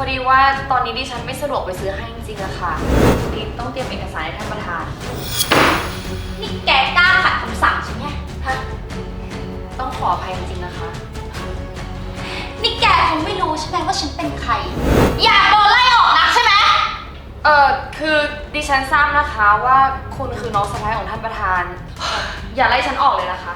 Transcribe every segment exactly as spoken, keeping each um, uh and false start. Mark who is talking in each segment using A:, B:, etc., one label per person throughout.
A: ดีว่าตอนนี้ดิฉันไม่สะดวกไปซื้อให้จริงๆอะค่ะดิต้องเตรียมเอกสารให้ท่านประธาน
B: นี่แกกล้าขัดคำสั่งฉันไงฮะ
A: ต้องขออภัยจริงๆนะคะ
B: นี่แกคงไม่รู้ใช่ไหมว่าฉันเป็นใครอยากโดนไล่ออกนักใช่ไหม
A: เออคือดิฉันทราบนะคะว่าคุณคือน้องสะใภ้ของท่านประธาน อย่าไล่ฉันออกเลยนะคะ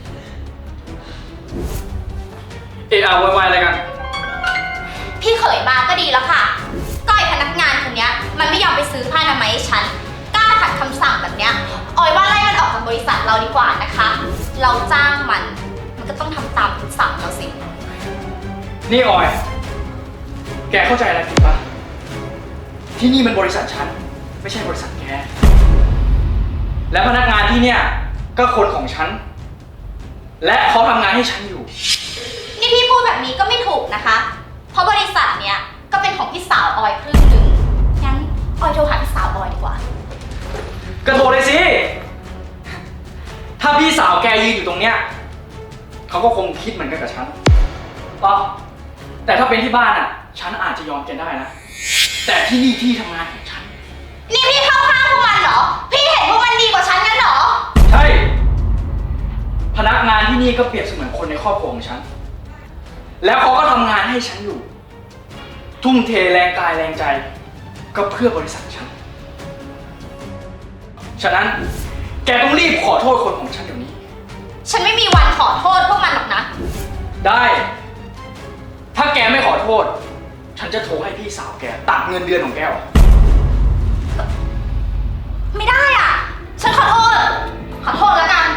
C: เอะอะวายๆอะไรกัน
B: พี่เขยมาก็ดีแล้วค่ะก็ไอพนักงานคนนี้มันไม่ยอมไปซื้อผ้าอนามัยให้ฉันกล้าขัดคำสั่งแบบเนี้ยออยว่าไล่มันออกจากบริษัทเราดีกว่านะคะเราจ้างมันมันก็ต้องทำตามคำสั่งเราสิ
C: นี่ออยแกเข้าใจอะไรผิดปะที่นี่มันบริษัทฉันไม่ใช่บริษัทแกและพนักงานที่เนี่ยก็คนของฉันและเขาทำงานให้ฉันอยู่
B: นี่พี่พูดแบบนี้ก็ไม่ถูกนะคะเพราะบริษัทเนี้ยก็เป็นของพี่สาวออยครึ่งหนึ่งงั้นออยโทรหาพี่สาวออยดีกว่า
C: ก็โทรเลยสิถ้าพี่สาวแกยืนอยู่ตรงเนี้ยเขาก็คงคิดเหมือนกันกับฉันอ๋อแต่ถ้าเป็นที่บ้านอ่ะฉันอาจจะยอมแกได้นะแต่ที่นี่ที่ทำงานของฉัน
B: นี่พี่เข้าข้างพวกมันเหรอพี่เห็นพวกมันดีกว่าฉันงั้นเหรอ
C: ใช่พนักงานที่นี่ก็เปรียบเสมือนคนในครอบครัวของฉันแล้วเขาก็ทำงานให้ฉันอยู่ทุ่มเทแรงกายแรงใจก็เพื่อบริษัทฉันฉะนั้นแกต้องรีบขอโทษคนของฉันเดี๋ยวนี้
B: ฉันไม่มีวันขอโทษพวกมันหรอกนะ
C: ได้ถ้าแกไม่ขอโทษฉันจะโทรให้พี่สาวแกตัดเงินเดือนของแกออก
B: ไม่ได้อ่ะฉันขอโทษขอโทษแล้วกัน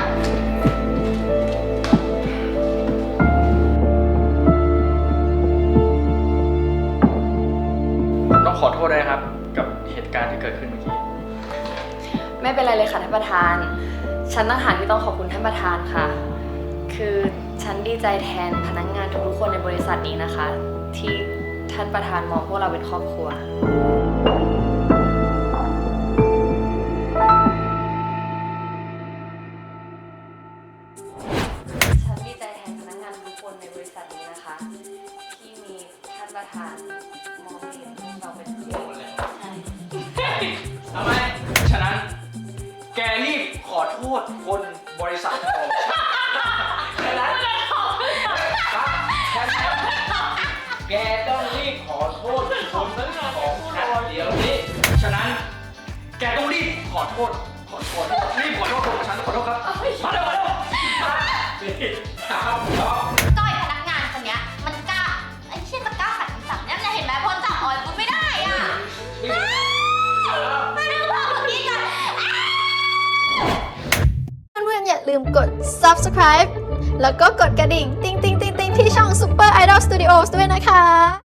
C: ต้องขอโทษด้วยครับกับเหตุการณ์ที่เกิดขึ้นเมื่อกี้
A: ไม่เป็นไรเลยค่ะท่านประธานฉันต่างหากที่ต้องขอบคุณท่านประธานค่ะคือฉันดีใจแทนพนักงานทุกๆคนในบริษัทนี้นะคะที่ท่านประธานมองพวกเราเป็นครอบครัวฉันดีใจแทนพนักงานทุกคนในบริษัทนี้นะคะที่มีท่านประธานมองเห็นเราเป็นครอบครัว
C: ทำไมฉะนั้นแกรีบขอโทษคนบริษัทของฉะนั้นแกต้องรีบขอโทษคนของฉันเดี๋ยวนี้ฉะนั้นแกต้องรีบขอโทษขอโทษรีบขอโทษคนของฉันขอโทษครับมาเร็วมาเร็วนี่ครับ
B: ก้อยพนักงานคนนี้มันกล้าไอ้เชี่ยจะกล้าขัดคำสั่งเนี่ยเห็นไหมพ้นจากออยปุ๊บไม่ได้อ่ะมาดูพ่อคนนี้กัน
D: เพื่อนๆอย่าลืมกด ซับสไครบ์ แล้วก็กดกระดิ่ง ติ๊งติ๊งติ๊งติ๊งที่ช่อง Super Idol Studios ด้วยนะคะ